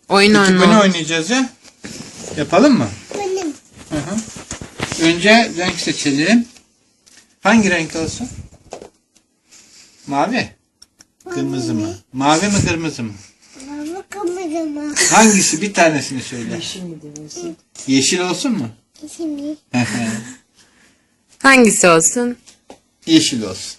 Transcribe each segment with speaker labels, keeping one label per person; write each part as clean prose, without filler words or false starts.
Speaker 1: Oyun
Speaker 2: Peki bunu
Speaker 1: oynamak.
Speaker 2: oynayacağız ya. Yapalım mı?
Speaker 3: Benim.
Speaker 2: Hı hı. Önce renk seçelim. Hangi renk olsun? Mavi. Kırmızı mı? Mavi mi kırmızı mı?
Speaker 3: Baba kamerama.
Speaker 2: Hangisi? Bir tanesini söyle.
Speaker 4: Yeşil mi diyorsun?
Speaker 2: Yeşil olsun mu?
Speaker 3: Şimdi.
Speaker 1: Hangisi olsun?
Speaker 2: Yeşil olsun.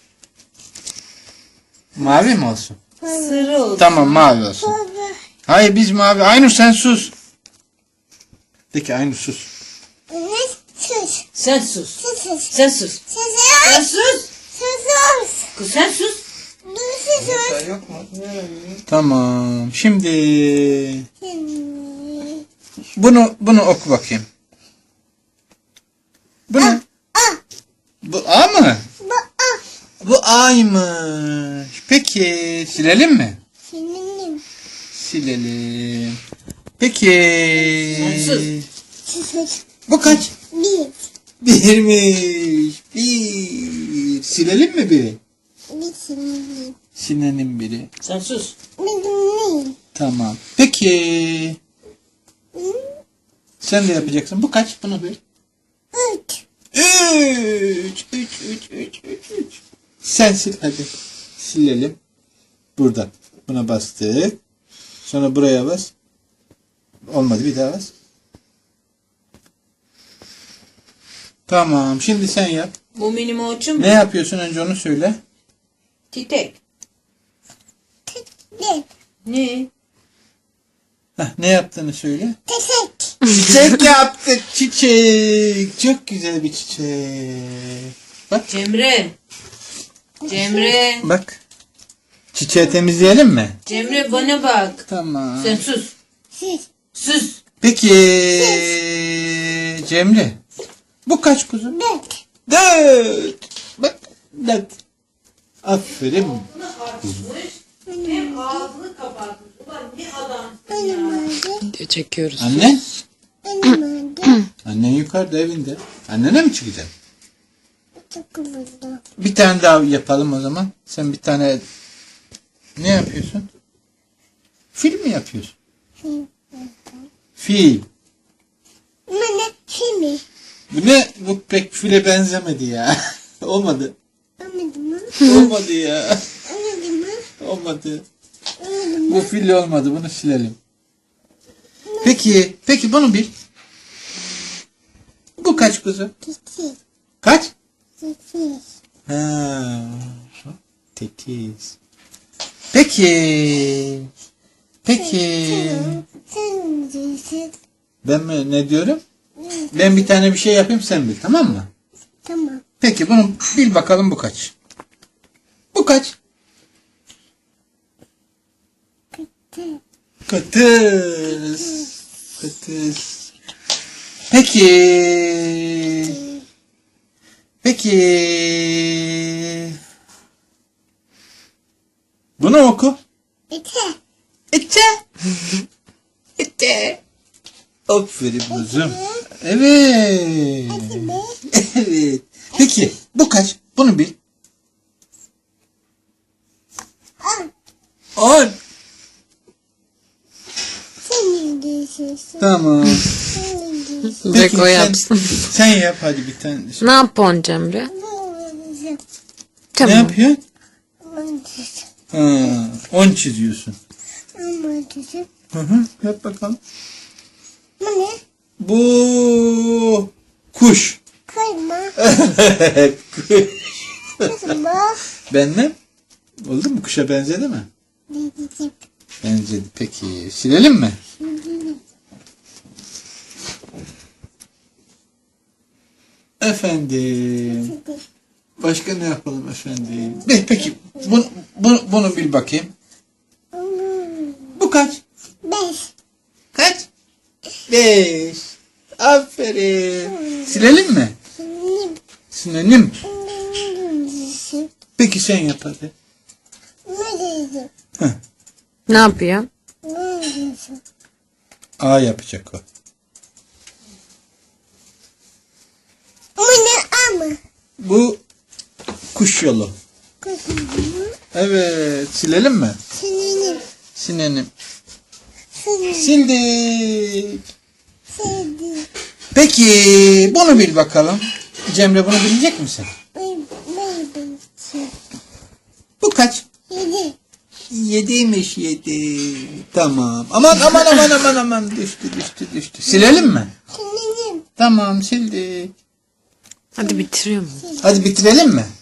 Speaker 2: Mavi mi olsun?
Speaker 4: Sarı olsun.
Speaker 2: Tamam mavi olsun.
Speaker 3: Baba.
Speaker 2: Hayır biz mavi. Aynur sen sus. De ki Aynur sus.
Speaker 3: Evet. Sus.
Speaker 4: Sen sus.
Speaker 3: Sus. Sus.
Speaker 4: Sen sus. Sen
Speaker 3: Sus.
Speaker 4: sus.
Speaker 3: Sus.
Speaker 4: Kız sen sus.
Speaker 3: Sus.
Speaker 2: Yok mu? Tamam. Şimdi
Speaker 3: Şimdi.
Speaker 2: bunu oku bakayım. Bu ne? Bu A mı?
Speaker 3: Baba.
Speaker 2: Bu A'ymış. Peki silelim mi?
Speaker 3: Senin.
Speaker 2: Silelim. Peki.
Speaker 4: Sensiz.
Speaker 3: Sus.
Speaker 2: Bu kaç?
Speaker 3: Bir.
Speaker 2: Birmiş. Bir. Silelim mi biri?
Speaker 3: Bir şimdi.
Speaker 2: Silelim biri.
Speaker 4: Sen sus.
Speaker 3: Benim.
Speaker 2: Tamam. Peki. Sen de yapacaksın. Bu kaç? Bunu bil.
Speaker 3: Üç.
Speaker 2: Üç. Sen sil hadi. Silelim. Buradan. Buna bastık. Sonra buraya bas. Olmadı bir daha bas. Tamam. Şimdi sen yap.
Speaker 4: Bu benim oğlum.
Speaker 2: Ne yapıyorsun önce onu söyle.
Speaker 4: Titek.
Speaker 3: Bir.
Speaker 4: Ne?
Speaker 2: Ne yaptığını söyle.
Speaker 3: Teşek.
Speaker 2: Çiçek yaptık. Çiçek. Çok güzel bir çiçek. Bak.
Speaker 4: Cemre. Cemre.
Speaker 2: Bak. Çiçeği temizleyelim mi?
Speaker 4: Cemre bana bak.
Speaker 2: Tamam.
Speaker 4: Sen sus.
Speaker 3: Sus.
Speaker 4: Sus.
Speaker 2: Peki Cemre. Bu kaç kuzum?
Speaker 3: Dört.
Speaker 2: 4. Bak 4. Aferin.
Speaker 4: Hem ağzını kapatmış. Ulan ne adamsın
Speaker 3: Benim
Speaker 4: ya.
Speaker 3: oldu.
Speaker 1: Video çekiyoruz.
Speaker 2: Annen?
Speaker 3: Benim oldu.
Speaker 2: Annen yukarıda evinde. Annene mi çıkacaksın?
Speaker 3: Çok oldu.
Speaker 2: Bir tane daha yapalım o zaman. Sen bir tane ne yapıyorsun? Fil mi yapıyorsun? Fil.
Speaker 3: Bana şimdi.
Speaker 2: Bu ne? Bu pek file benzemedi ya. Olmadı.
Speaker 3: Anladın mı?
Speaker 2: Olmadı ya.
Speaker 3: Anladın mı?
Speaker 2: Olmadı.
Speaker 3: Anladın mı?
Speaker 2: Bu fil olmadı. Bunu silelim. Peki bunu bil. Bu kaç kuzu?
Speaker 3: Teşek.
Speaker 2: Kaç?
Speaker 3: Teşek.
Speaker 2: Ha, 8. Peki.
Speaker 3: Sen diyorsun.
Speaker 2: Ben mi ne diyorum? Ben bir tane bir şey yapayım sen bil, tamam mı?
Speaker 3: Tamam.
Speaker 2: Peki bunu bil bakalım bu kaç? Bu kaç? Kıtız. Kıtız. Peki. Bunu oku.
Speaker 3: İte.
Speaker 2: İte. Aferin kuzum. Evet. Evet. Peki bu kaç? Bunu bil. 10.
Speaker 3: Senin diyorsun.
Speaker 2: Tamam.
Speaker 3: Senin diyorsun.
Speaker 2: Peki,
Speaker 1: Beko yapsın.
Speaker 2: Sen yap hadi bir tane.
Speaker 1: Ne yapıyorsun Cemre?
Speaker 2: Ne
Speaker 1: Tamam.
Speaker 2: yapıyorsun?
Speaker 3: Anladın.
Speaker 2: 10 çiziyorsun.
Speaker 3: Anladın.
Speaker 2: Yap bakalım.
Speaker 3: Bu ne?
Speaker 2: Bu kuş.
Speaker 3: Kayma.
Speaker 2: Kuş.
Speaker 3: Kızım bak.
Speaker 2: Benle? Oldu mu? Kuşa benzedi mi?
Speaker 3: Diyeceğim.
Speaker 2: Benzedi. Peki. Silelim mi? Efendim. Başka ne yapalım efendim? Peki. Bunu bil bakayım. Bu kaç?
Speaker 3: Beş.
Speaker 2: Kaç? 5. Aferin. Silelim mi?
Speaker 3: Senin.
Speaker 2: Silelim.
Speaker 3: Diyorsun.
Speaker 2: Peki sen yap hadi.
Speaker 3: Ne diyeceğim?
Speaker 1: Ne yapıyorsun?
Speaker 3: Ne diyorsun?
Speaker 2: A yapacak o.
Speaker 3: Bu ne ama?
Speaker 2: Bu kuş yolu.
Speaker 3: Kızım.
Speaker 2: Evet. Silelim mi?
Speaker 3: Senin.
Speaker 2: Sinelim. Sildik.
Speaker 3: Sevdi.
Speaker 2: Peki bunu bil bakalım. Cemre bunu bilecek misin? Bu kaç?
Speaker 3: 7.
Speaker 2: 7'ymiş 7. Tamam. Aman. Düştü. Silelim mi?
Speaker 3: Şimdi
Speaker 2: Tamam sildik.
Speaker 1: Hadi bitiriyor mu?
Speaker 2: Hadi bitirelim mi?